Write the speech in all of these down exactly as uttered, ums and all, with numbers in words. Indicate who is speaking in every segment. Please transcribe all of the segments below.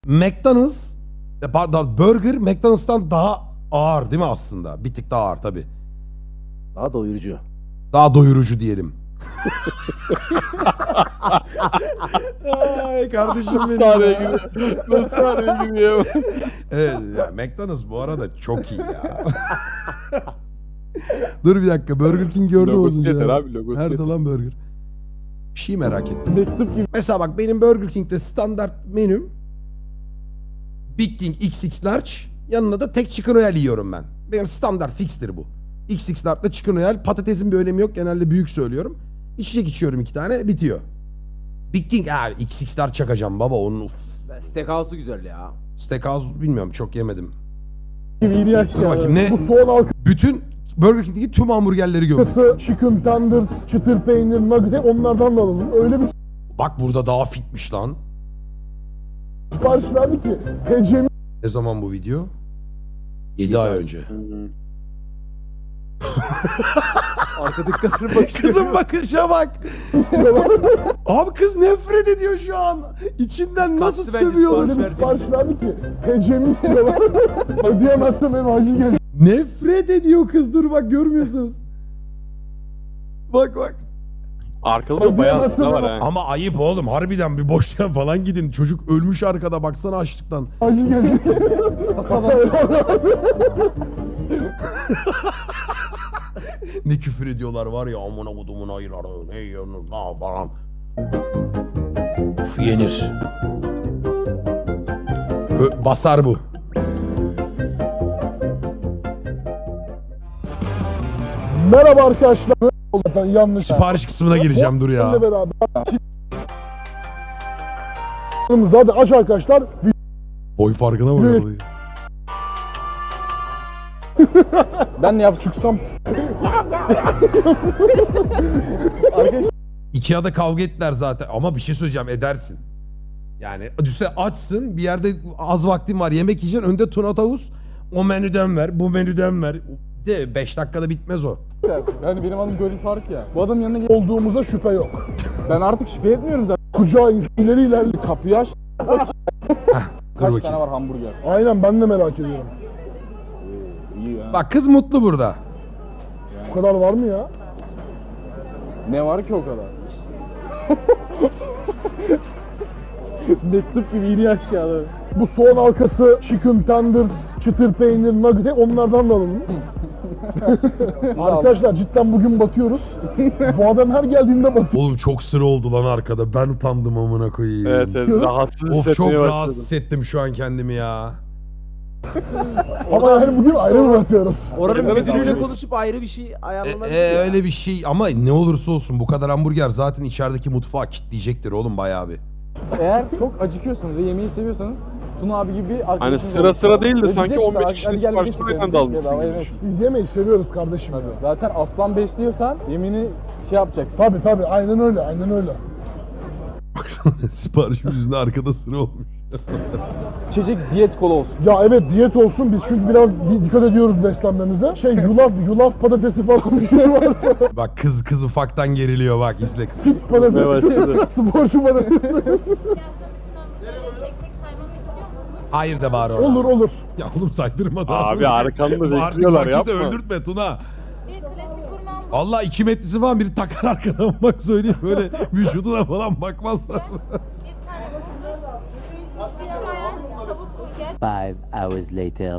Speaker 1: McDonald's, e, pardon, burger McDonald's'tan daha ağır değil mi aslında? Bir tık daha ağır tabii.
Speaker 2: Daha doyurucu.
Speaker 1: Daha doyurucu diyelim. Ay kardeşim benim ya.
Speaker 2: Nasıl araya giriyor?
Speaker 1: Evet ya, McDonald's bu arada çok iyi ya. Dur bir dakika, Burger King gördüm
Speaker 2: Logosu
Speaker 1: az önce.
Speaker 2: yeter
Speaker 1: ya.
Speaker 2: abi, logosu
Speaker 1: Nerede
Speaker 2: yeter.
Speaker 1: lan burger? Bir şey merak ettim.
Speaker 2: Mektup gibi.
Speaker 1: Mesela bak benim Burger King'de standart menüm Big King X X Large, yanına da tek chicken royale yiyorum ben. Benim standart fixtir bu. X X Large'da chicken royale, patatesin bir önemi yok, genelde büyük söylüyorum. İçecek içiyorum iki tane, bitiyor. Big King abi X X Large çakacağım baba onun.
Speaker 3: Ben Steakhouse'u güzel ya.
Speaker 1: Steakhouse bilmiyorum, çok yemedim.
Speaker 2: Gibi iyi
Speaker 1: Dur bakayım ne?
Speaker 4: Bu soğan
Speaker 1: Bütün Burger King'deki tüm hamburgerleri gömdüm.
Speaker 4: halkası, chicken tenders, çıtır peynir, nugget hep onlardan da alalım. Öyle bir
Speaker 1: Bak burada daha fitmiş lan.
Speaker 4: sipariş verdi ki T C'mi
Speaker 1: Ne zaman bu video? yedi ay önce.
Speaker 3: Arkadaki kadının bakışı.
Speaker 1: Kızın bakışa bak.
Speaker 4: istiyorlar.
Speaker 1: Abi kız nefret ediyor şu an. İçinden nasıl
Speaker 3: Kastı bence
Speaker 1: sövüyor?
Speaker 4: Öyle bir sipariş verdi ki T C'mi istiyorlar. Ödeyemezsem benim aciz gelecek.
Speaker 1: Nefret ediyor kız, dur bak görmüyorsunuz. Bak bak.
Speaker 2: Arkada da bayağı aslında var ha.
Speaker 1: Ama ayıp oğlum, harbiden bir boşluğa falan gidin. Çocuk ölmüş arkada, baksana açlıktan.
Speaker 4: Aciz gelecek. Masa
Speaker 1: Ne küfür ediyorlar var ya, amına kodumun ayıları, ne yiyorsunuz la falan. Uf, yenir. Ö- basar bu.
Speaker 4: Merhaba arkadaşlar. Zaten yanlış.
Speaker 1: Sipariş kısmına gireceğim, dur ya.
Speaker 4: Benimle beraber. Zaten aç arkadaşlar.
Speaker 1: Boy farkına bak.
Speaker 4: Evet.
Speaker 1: orayı.
Speaker 2: Ben ne yapsam?
Speaker 4: Çıksam
Speaker 2: Arkadaşlar
Speaker 1: Ikea'da kavga ettiler zaten, ama bir şey söyleyeceğim, edersin. Yani düşse açsın, bir yerde az vaktin var, yemek yiyeceksin, önde tuna tavus, o menüden ver, bu menüden ver. De beş dakikada bitmez o.
Speaker 5: Yani benim adım Gönül Faruk ya. Bu adamın yanına gel.
Speaker 4: olduğumuza şüphe yok.
Speaker 5: Ben artık şüphe etmiyorum zaten.
Speaker 4: Kucağı ileri ilerli.
Speaker 5: Kapıyı aç.
Speaker 1: Dur
Speaker 5: Kaç
Speaker 1: bakayım.
Speaker 5: tane var hamburger?
Speaker 4: Aynen, ben de merak ediyorum.
Speaker 5: İyi ya.
Speaker 1: Bak kız mutlu burada.
Speaker 4: Bu kadar var mı ya?
Speaker 5: Ne var ki o kadar? Mektup gibi iniyor aşağıda.
Speaker 4: Bu soğan halkası, chicken tenders, çıtır peynir, nugget hep onlardan da alalım. Arkadaşlar cidden bugün batıyoruz. Bu adam her geldiğinde batıyor.
Speaker 1: Oğlum çok sıra oldu lan arkada, ben utandım amına koyayım.
Speaker 2: evet, evet rahatsız
Speaker 1: Of çok
Speaker 2: hissetmeye başladım.
Speaker 1: rahatsız hissettim şu an kendimi ya.
Speaker 4: Ama yani bugün ayrı mı batıyoruz?
Speaker 3: Oranın
Speaker 2: Evet,
Speaker 3: müdürüyle
Speaker 2: abi.
Speaker 3: konuşup ayrı bir şey
Speaker 1: E,
Speaker 3: ayarlanabilir
Speaker 1: e,
Speaker 3: ya.
Speaker 1: öyle bir şey, ama ne olursa olsun bu kadar hamburger zaten içerideki mutfağı kilitleyecektir oğlum bayağı bir.
Speaker 5: Eğer çok acıkıyorsanız ve yemeği seviyorsanız Tuna abi gibi bir
Speaker 2: Hani
Speaker 5: arkadaşınız
Speaker 2: sıra
Speaker 5: olsun.
Speaker 2: sıra değil de
Speaker 5: Ve
Speaker 2: sanki
Speaker 5: diyecek
Speaker 2: on beş
Speaker 5: ki,
Speaker 2: kişinin
Speaker 5: "Hadi gel bir
Speaker 2: siparişini
Speaker 5: çekelim,
Speaker 2: aynı anda almışsın
Speaker 5: bedava
Speaker 2: gibi
Speaker 5: yemek."
Speaker 2: düşün.
Speaker 4: Biz yemeği seviyoruz kardeşim.
Speaker 5: Tabii.
Speaker 4: ya.
Speaker 5: Zaten aslan besliyorsan yemini şey yapacaksın.
Speaker 4: Tabii tabii, aynen öyle, aynen öyle.
Speaker 1: Sipariş yüzünden arkada sıra olmuş.
Speaker 5: İçecek diyet kola olsun.
Speaker 4: Ya evet, diyet olsun, biz çünkü biraz di- dikkat ediyoruz beslenmemize. Şey yulaf, yulaf patatesi falan bir şey varsa.
Speaker 1: Bak kız kız ufaktan geriliyor, bak izle kız.
Speaker 4: Fit patatesi,
Speaker 2: başladı.
Speaker 4: sporcu patatesi.
Speaker 6: Tek tek saymamı istiyor musunuz?
Speaker 1: Hayır de bari orada.
Speaker 4: Olur olur.
Speaker 1: Ya oğlum saydırma da.
Speaker 2: Abi arkanda
Speaker 1: Artık
Speaker 2: bekliyorlar,
Speaker 1: vakit
Speaker 2: yapma.
Speaker 1: öldürtme Tuna.
Speaker 6: Bir klasik gurme
Speaker 1: Allah iki metresi falan biri takar arkadan, bak söyleyeyim, böyle vücuduna falan bakmazlar.
Speaker 6: bir tane burger, bir şoyan, tavuk burger,
Speaker 7: Five hours later.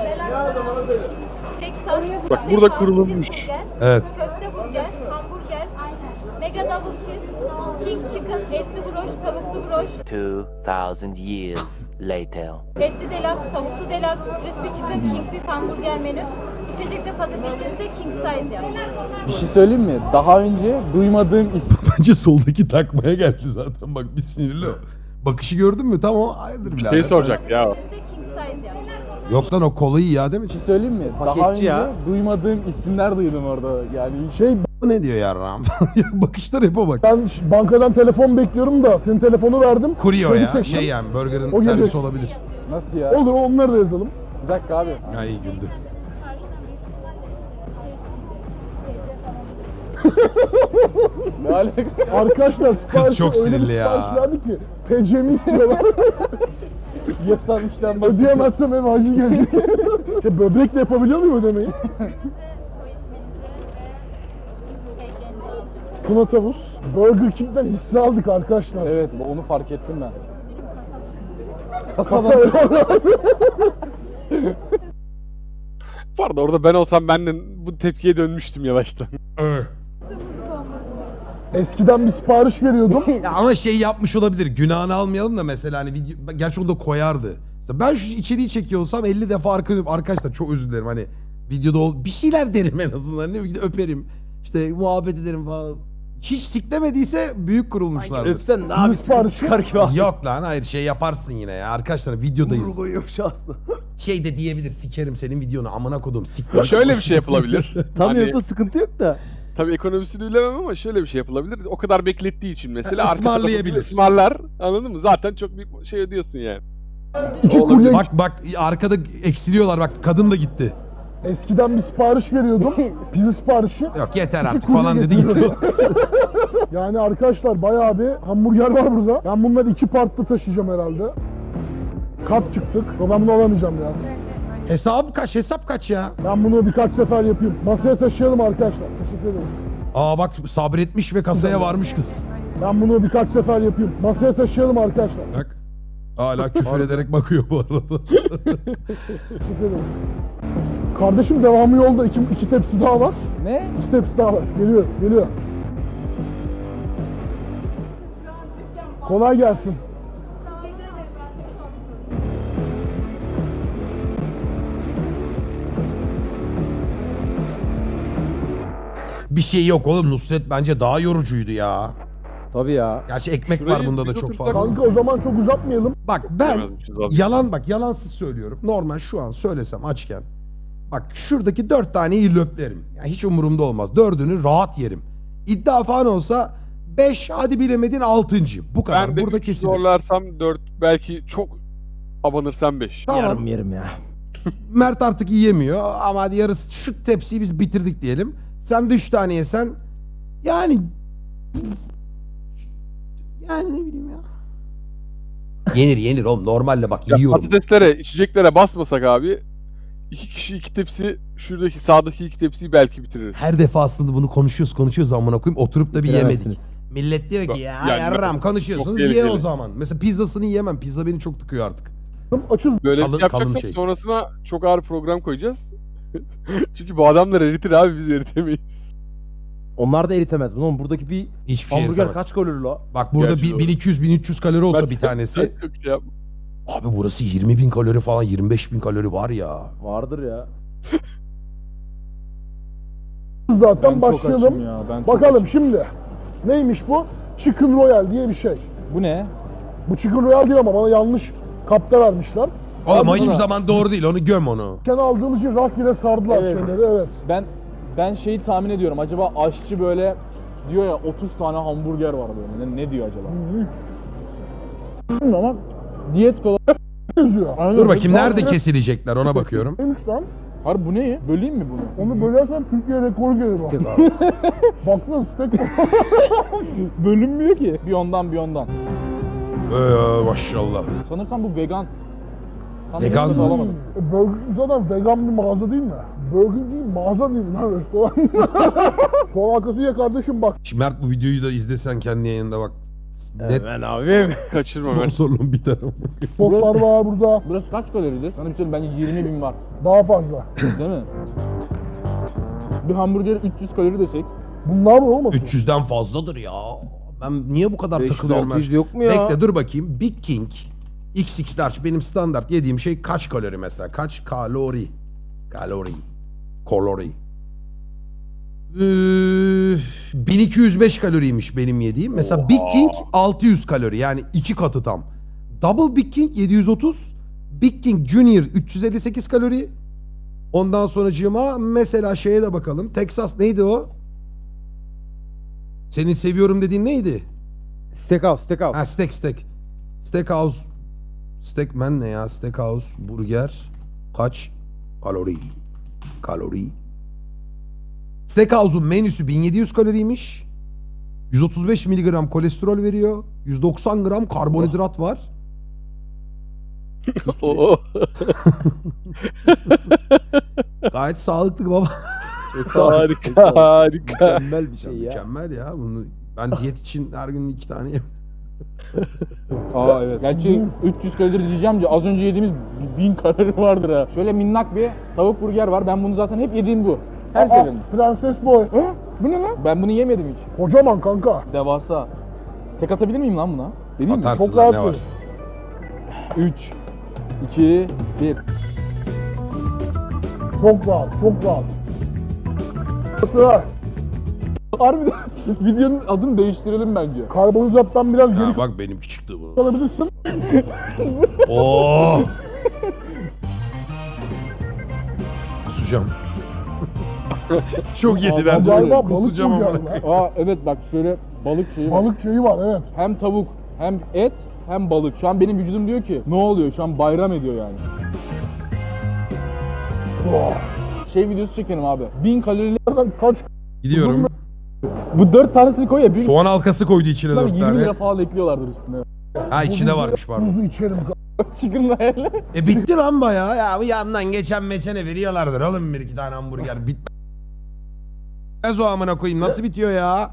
Speaker 6: tek sos,
Speaker 2: Bak
Speaker 6: tek
Speaker 2: burada
Speaker 6: sos,
Speaker 2: kurulmuş.
Speaker 6: cheeseburger,
Speaker 1: Evet.
Speaker 6: köfte burger, hamburger, mega double cheese, king chicken, etli broş, tavuklu broş,
Speaker 7: Two thousand years later.
Speaker 6: etli deluxe, tavuklu deluxe, crispy chicken, king beef hamburger menü. İçecekte patatesinizi de king size yapın.
Speaker 5: Bir şey söyleyeyim mi? Daha önce duymadığım isim.
Speaker 1: Bence soldaki takmaya geldi zaten, bak bir sinirli o. Bakışı gördün mü? Tamam, hayırdır birader.
Speaker 2: Şey soracak ya.
Speaker 6: Siz de king size yapın.
Speaker 1: Yok lan, o kolayı ya değil mi?
Speaker 5: Bir şey söyleyeyim mi? Daha
Speaker 3: Paketçi
Speaker 5: önce
Speaker 3: ya.
Speaker 5: duymadığım isimler duydum orada. Yani hiç
Speaker 4: Şey,
Speaker 1: Bu ne diyor yarram? Bakışlar hep o bak.
Speaker 4: ben ş- bankadan telefon bekliyorum da senin telefonu verdim.
Speaker 1: Kurye o
Speaker 4: Kredi
Speaker 1: ya.
Speaker 4: çektim.
Speaker 1: Şey yani, burger'ın
Speaker 4: O
Speaker 1: servisi
Speaker 4: gelecek.
Speaker 1: olabilir.
Speaker 5: nasıl ya?
Speaker 4: Olur, onları da yazalım.
Speaker 5: Bir dakika abi.
Speaker 1: Ya iyi güldü.
Speaker 5: Ne alaka?
Speaker 4: Arkadaşlar sipariş
Speaker 1: çok
Speaker 4: öyle bir
Speaker 1: sinirli ya.
Speaker 4: sipariş verdi ki T C'mi istiyorlar.
Speaker 5: Yasal işlem başlatıyor.
Speaker 4: Ödeyemezsem eve haciz gelecek. Ya böbrekle yapabiliyor muyum ödemeyi?
Speaker 6: İsminizi, soy isminizi ve T C'nizi alacağım.
Speaker 4: Tuna Tavus. Burger King'den hisse aldık arkadaşlar.
Speaker 5: Evet, onu fark ettim ben.
Speaker 4: Kasa
Speaker 5: Kasadan.
Speaker 2: Pardon orada ben olsam ben de bu tepkiye dönmüştüm yavaştan.
Speaker 4: Eskiden bir sipariş veriyordum.
Speaker 1: Ya ama şey yapmış olabilir. Günahını almayalım da mesela hani video... Gerçi onu da koyardı. Mesela ben şu içeriği çekiyor olsam elli defa arka dönüp arkadaşlar çok özür dilerim hani videoda ol... bir şeyler derim en azından. Ne bileyim öperim. İşte muhabbet ederim falan. Hiç siklemediyse büyük kurulmuşlardır.
Speaker 3: Öpsen ne
Speaker 4: Bir
Speaker 3: yapayım?
Speaker 4: sipariş
Speaker 3: Çıkar gibi abi.
Speaker 1: Yok lan hayır şey yaparsın yine ya. Arkadaşlar videodayız.
Speaker 3: Vurgu koyuyormuş aslında.
Speaker 1: Şey de diyebilir sikerim senin videonu amına kodum siktir.
Speaker 2: Şöyle bir şey yapılabilir.
Speaker 3: Tanıyorsa
Speaker 2: Hani,
Speaker 3: sıkıntı yok da.
Speaker 2: tabii ekonomisini bilemem ama şöyle bir şey yapılabilir. O kadar beklettiği için mesela arka
Speaker 1: Ismarlayabilir.
Speaker 2: tarafı ısmarlar. Anladın mı? Zaten çok bir şey ödüyorsun yani.
Speaker 4: İki
Speaker 2: Olabilir.
Speaker 4: kurye
Speaker 1: Bak bak arkada eksiliyorlar bak kadın da gitti.
Speaker 4: eskiden bir sipariş veriyordum. Pizza siparişi.
Speaker 1: Yok yeter artık
Speaker 4: kurye
Speaker 1: falan dedi
Speaker 4: getiriyor.
Speaker 1: gitti.
Speaker 4: Yani arkadaşlar bayağı bir hamburger var burada. Ben bunları iki partta taşıyacağım herhalde. Kat çıktık. Ben bunu alamayacağım ya.
Speaker 1: Hesap kaç hesap kaç ya?
Speaker 4: Ben bunu birkaç sefer yapayım. Masaya taşıyalım arkadaşlar. Teşekkür ederiz.
Speaker 1: Aa bak sabretmiş ve kasaya varmış kız.
Speaker 4: Ben bunu birkaç sefer yapayım. Masaya taşıyalım arkadaşlar.
Speaker 1: Bak. Hala küfür ederek bakıyor bu arada.
Speaker 4: Teşekkür ederiz. Kardeşim devamı yolda. İki, iki tepsi daha var.
Speaker 5: Ne?
Speaker 4: İki tepsi daha var. Geliyor, geliyor. Kolay gelsin.
Speaker 1: Bir şey yok oğlum Nusret bence daha yorucuydu ya.
Speaker 3: Tabii ya.
Speaker 1: Gerçi ekmek
Speaker 2: Şurayı
Speaker 1: var bunda da
Speaker 2: biz
Speaker 1: çok
Speaker 2: otursak-
Speaker 1: fazla.
Speaker 4: Kanka o zaman çok uzatmayalım.
Speaker 1: Bak ben
Speaker 2: Bilemezmişiz abi.
Speaker 1: yalan bak yalansız söylüyorum. Normal şu an söylesem açken. Bak şuradaki dört taneyi löplerim. Yani hiç umurumda olmaz. Dördünü rahat yerim. İddia falan olsa beş hadi bilemedin altıncı. Bu kadar.
Speaker 2: Ben de
Speaker 1: Burada
Speaker 2: üç
Speaker 1: kesilir.
Speaker 2: zorlarsam dört belki çok abanırsam beş.
Speaker 1: Tamam.
Speaker 3: Yarım yerim ya.
Speaker 1: Mert artık yiyemiyor ama hadi yarısı şu tepsiyi biz bitirdik diyelim. Sen de üç tane yesen yani yani ne bileyim ya. Yenir yenir oğlum normalde bak
Speaker 2: Ya
Speaker 1: yiyorum.
Speaker 2: patateslere, içeceklere basmasak abi iki kişi iki tepsi şuradaki sağdaki iki tepsiyi belki bitiririz.
Speaker 1: Her defasında bunu konuşuyoruz konuşuyoruz amına koyayım oturup da bir yemedik.
Speaker 3: Bitiremezsiniz.
Speaker 1: Millet diyor ki ya
Speaker 2: Yani
Speaker 1: yarram
Speaker 2: çok
Speaker 1: konuşuyorsunuz ye
Speaker 2: tehlikeli.
Speaker 1: o zaman. Mesela pizzasını yiyemem. Pizza beni çok tıkıyor artık.
Speaker 4: Açız.
Speaker 2: Böyle
Speaker 1: Kalın-
Speaker 2: bir şey yapacaksak
Speaker 1: kalın şey.
Speaker 2: sonrasına çok ağır program koyacağız. Çünkü bu adamlar eritir abi biz eritemeyiz.
Speaker 3: Onlar da eritemez bunu. Oğlum buradaki bir
Speaker 1: Hiçbir şey
Speaker 3: hamburger
Speaker 1: eritemez.
Speaker 3: kaç kalori la?
Speaker 1: Bak burada
Speaker 2: Gerçi
Speaker 1: bir-
Speaker 2: doğru.
Speaker 1: bin iki yüz bin üç yüz kalori olsa
Speaker 2: Ben-
Speaker 1: bir tanesi.
Speaker 2: Ben çok şey yapma.
Speaker 1: Abi burası yirmi bin kalori falan yirmi beş bin kalori var ya.
Speaker 3: Vardır ya.
Speaker 4: Zaten
Speaker 5: Ben çok açım
Speaker 4: başlayalım.
Speaker 5: ya. Ben çok
Speaker 4: Bakalım
Speaker 5: açım.
Speaker 4: şimdi. Neymiş bu? Chicken Royal diye bir şey.
Speaker 5: Bu ne?
Speaker 4: Bu Chicken Royal değil ama bana yanlış kapta vermişler.
Speaker 1: Oğlum o
Speaker 4: Abi
Speaker 1: hiçbir
Speaker 4: buna-
Speaker 1: zaman doğru değil onu göm onu.
Speaker 4: Kendi aldığımız için rastgele sardılar
Speaker 5: Evet.
Speaker 4: şeyleri, evet.
Speaker 5: Ben ben şeyi tahmin ediyorum. Acaba aşçı böyle diyor ya otuz tane hamburger var böyle. Ne, ne diyor acaba? Bilmiyorum ama diyet kola.
Speaker 4: Yazıyor.
Speaker 5: Aynen.
Speaker 1: Dur bakayım nerede
Speaker 4: Rastgele-
Speaker 1: kesilecekler ona bakıyorum.
Speaker 4: Neymiş lan?
Speaker 5: Harbi bu ne? Böleyim mi bunu?
Speaker 4: Onu bölersen Türkiye rekoru gelir bak.
Speaker 3: Tek abi.
Speaker 4: Baksana steak.
Speaker 5: Bölünmüyor ki. Bir ondan bir ondan.
Speaker 1: Ee, maşallah.
Speaker 5: Sanırsam bu vegan. Tam
Speaker 1: Vegan
Speaker 5: emin
Speaker 1: mı?
Speaker 5: olamadım.
Speaker 4: E, Burger King zaten vegan bir mağaza değil mi? Burger King mağaza değil lan restoran. Sol arkası ya kardeşim bak.
Speaker 1: Şimdi Mert bu videoyu da izlesen kendi yayında bak. Net
Speaker 3: Ben abim.
Speaker 2: Kaçırma ben.
Speaker 1: sponsorluğum biter ama.
Speaker 4: Soslar var burada.
Speaker 5: Burası kaç kaloridir? Sana bir söyleyeyim bence yirmi bin var.
Speaker 4: Daha fazla.
Speaker 5: Değil mi? Bir hamburger üç yüz kalori desek.
Speaker 4: Bunlar mı olmasın?
Speaker 1: üç yüzden fazladır ya. Ben niye bu kadar
Speaker 3: beş yüz
Speaker 1: takılıyorum
Speaker 3: altı yüz
Speaker 1: ben?
Speaker 3: yok mu ya?
Speaker 1: Bekle dur bakayım. Big King X X large benim standart yediğim şey kaç kalori mesela? Kaç kalori? Kalori. Kalori. Ee, bin iki yüz beş kaloriymiş benim yediğim. Mesela Big King altı yüz kalori yani iki katı tam. Double Big King yedi yüz otuz. Big King Junior üç yüz elli sekiz kalori. Ondan sonracığıma mesela şeye de bakalım. Texas neydi o? Senin seviyorum dediğin neydi?
Speaker 3: Steakhouse, steakhouse.
Speaker 1: Ha steak steak. Steakhouse. Steakman ne ya? Steakhouse burger kaç kalori? Kalori. Steakhouse'un menüsü bin yedi yüz kaloriymiş. yüz otuz beş miligram kolesterol veriyor. yüz doksan gram karbonhidrat var.
Speaker 2: Oo.
Speaker 1: Gayet sağlıklı baba.
Speaker 2: harika harika.
Speaker 3: Mükemmel bir şey ya.
Speaker 1: Mükemmel ya. Bunu ben diyet için her gün iki tane yem.
Speaker 5: Aa evet. Gerçi üç yüz kalori diyeceğim de az önce yediğimiz bin kalori vardır ha. Şöyle minnak bir tavuk burger var. Ben bunu zaten hep yediğim bu. Her
Speaker 4: Aa,
Speaker 5: seferinde.
Speaker 4: Prenses Boy.
Speaker 5: He? Bu ne lan? Ben bunu yemedim hiç.
Speaker 4: Kocaman kanka.
Speaker 5: Devasa. Tek atabilir miyim lan buna? Deneyim mi?
Speaker 1: Atarsın
Speaker 4: Çok
Speaker 1: lan
Speaker 4: rahat
Speaker 1: ne var?
Speaker 4: bir.
Speaker 5: üç, iki, bir.
Speaker 4: Çok rahat, çok rahat. Sıra.
Speaker 5: Harbiden videonun adını değiştirelim bence.
Speaker 4: Karbonhidrattan biraz geri
Speaker 1: Ha, bak benimki çıktı bu.
Speaker 4: kalabilirsin.
Speaker 1: Oo. Kusacağım. Çok yediler.
Speaker 4: Galiba balık
Speaker 1: Kusacağım
Speaker 4: burger
Speaker 1: ama.
Speaker 4: var.
Speaker 5: Aa evet bak şöyle balık şeyi var.
Speaker 4: Balık şeyi var evet.
Speaker 5: Hem tavuk hem et hem balık. Şu an benim vücudum diyor ki ne oluyor? Şu an bayram ediyor yani.
Speaker 4: Oh.
Speaker 5: Şey videosu çekelim abi. bin kalorili.
Speaker 4: Nereden kaç
Speaker 1: Gidiyorum.
Speaker 5: Bu dört tanesini koy ya. bin
Speaker 1: Soğan halkası koydu içine dört
Speaker 5: yirmi
Speaker 1: tane.
Speaker 5: lira falan ekliyorlardır üstüne.
Speaker 1: Ha içinde varmış pardon.
Speaker 4: buzu içerim.
Speaker 5: Chicken hayal.
Speaker 1: E bitti lan bayağı. Ya bu yandan geçen meçene veriyorlardır oğlum bir iki tane hamburger. Bitmez o amına koyayım. Nasıl bitiyor ya?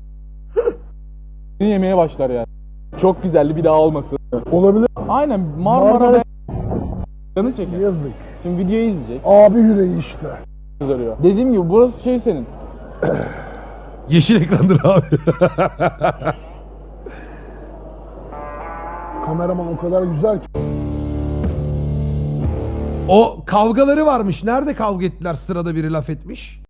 Speaker 5: Yemeye başlar yani. Çok güzeldi bir daha olmasın.
Speaker 4: Olabilir.
Speaker 5: Aynen Marmara
Speaker 4: Marmara-
Speaker 5: be- Canın çeker.
Speaker 4: Yazık.
Speaker 5: Şimdi videoyu izleyecek.
Speaker 4: Abi yüreği işte.
Speaker 5: Arıyor. Dediğim gibi burası şey senin.
Speaker 1: Yeşil ekrandır abi.
Speaker 4: Kameraman o kadar güzel ki.
Speaker 1: O kavgaları varmış. Nerede kavga ettiler sırada biri laf etmiş?